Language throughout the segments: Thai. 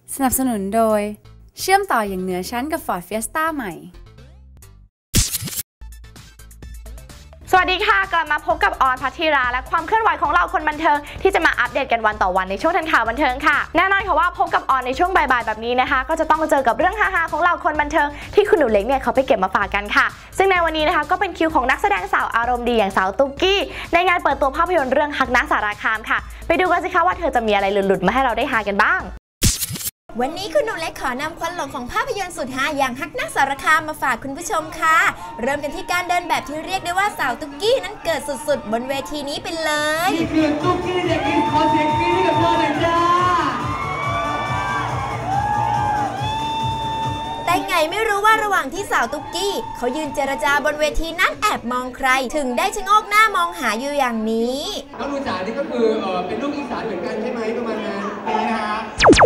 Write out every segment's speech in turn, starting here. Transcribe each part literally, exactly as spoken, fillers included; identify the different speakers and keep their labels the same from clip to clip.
Speaker 1: สนับสนุนโดยเชื่อมต่ออย่างเหนือชั้นกับ Ford Fiesta ใหม่
Speaker 2: สวัสดีค่ะกลับมาพบกับออนภัทธิราและความเคลื่อนไหวของเราคนบันเทิงที่จะมาอัปเดตกันวันต่อวันในช่วงทันข่าวบันเทิงค่ะแน่นอนค่ะว่าพบกับออนในช่วงบ่ายๆแบบนี้นะคะก็จะต้องเจอกับเรื่องฮาๆของเราคนบันเทิงที่คุณหนูเล็กเนี่ยเขาไปเก็บมาฝากกันค่ะซึ่งในวันนี้นะคะก็เป็นคิวของนักแสดงสาวอารมณ์ดีอย่างสาวตุ๊กกี้ในงานเปิดตัวภาพยนตร์เรื่องฮักณสารคามค่ะไปดูกันสิคะว่าเธอจะมีอะไรหลุดๆมาให้เราได้ฮากันบ้าง
Speaker 3: วันนี้คุณหนูเล็กขอนำควันหลงของภาพยนตร์สุดฮาอย่างฮักณสารคามมาฝากคุณผู้ชมค่ะเริ่มกันที่การเดินแบบที่เรียกได้ว่าสาวตุ๊กกี้นั้นเกิดสุดๆบนเวทีนี้ไปเลย
Speaker 4: นี่คือตุ๊กกี้เด็กอินขอเสียงกรี๊ดให้กับเธอหน่อยจ้า
Speaker 3: แต่ไงไม่รู้ว่าระหว่างที่สาวตุ๊กกี้เขายืนเจรจาบนเวทีนั้นแอบมองใครถึงได้ชะโงกหน้ามองหาอยู่อย่างนี้
Speaker 4: น้องลูจ๋านี่ก็คือเออเป็นลูกอีสานเหมือนกันใช่ไหมประมาณนั้นนี่นะฮะ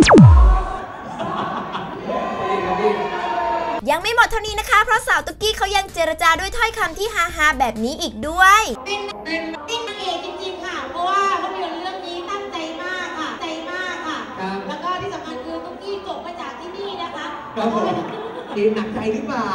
Speaker 3: ยังไม่หมดเท่านี้นะคะเพราะสาวตุ๊กกี้เขายังเจรจาด้วยถ้อยคำที่ฮาๆแบบนี้อีกด้วย
Speaker 5: เป็นเป็นเป็นนางเอกจริงๆค่ะเพราะว่าภาพยนตร์เรื่องนี้ตั้งใจมากค่ะใจมากค่ะแล้วก็ที่สำคัญคือตุ๊กกี้จบมาจากที่นี่นะคะ
Speaker 4: ครับผมดีหนักใจหรือเปล่า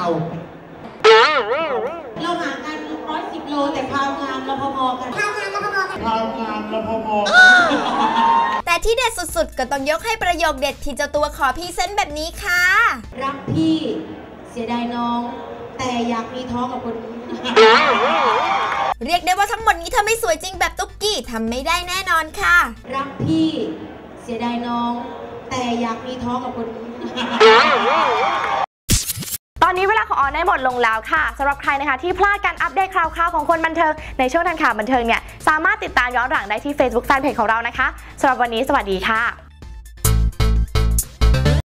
Speaker 5: เราห่างกันร้อยสิบโลแต่ความงามเราพอๆกันความงามเราพอๆกัน
Speaker 4: ความงามเราพอ
Speaker 3: ๆแต่ที่เด็ดสุดๆก็ต้องยกให้ประโยคเด็ดที่เจ้าตัวขอพรีเซนต์แบบนี้ค่ะ
Speaker 5: รักพี่เสียดายน้องแต่อยากมีท้องกับคนนี้
Speaker 3: เรียกได้ว่าทั้งหมดนี้ถ้าไม่สวยจริงแบบตุ๊กกี้ทำไม่ได้แน่นอนค่ะ
Speaker 5: รักพี่เสียดายน้องแต่อยากมีท้องกับคนนี้
Speaker 2: ตอนนี้เวลาของออนได้หมดลงแล้วค่ะสำหรับใครนะคะที่พลาดการอัปเดตข่าวๆของคนบันเทิงในช่วงทันข่าวบันเทิงเนี่ยสามารถติดตามย้อนหลังได้ที่ Facebook Fanpage ของเรานะคะสำหรับวันนี้สวัสดีค่ะ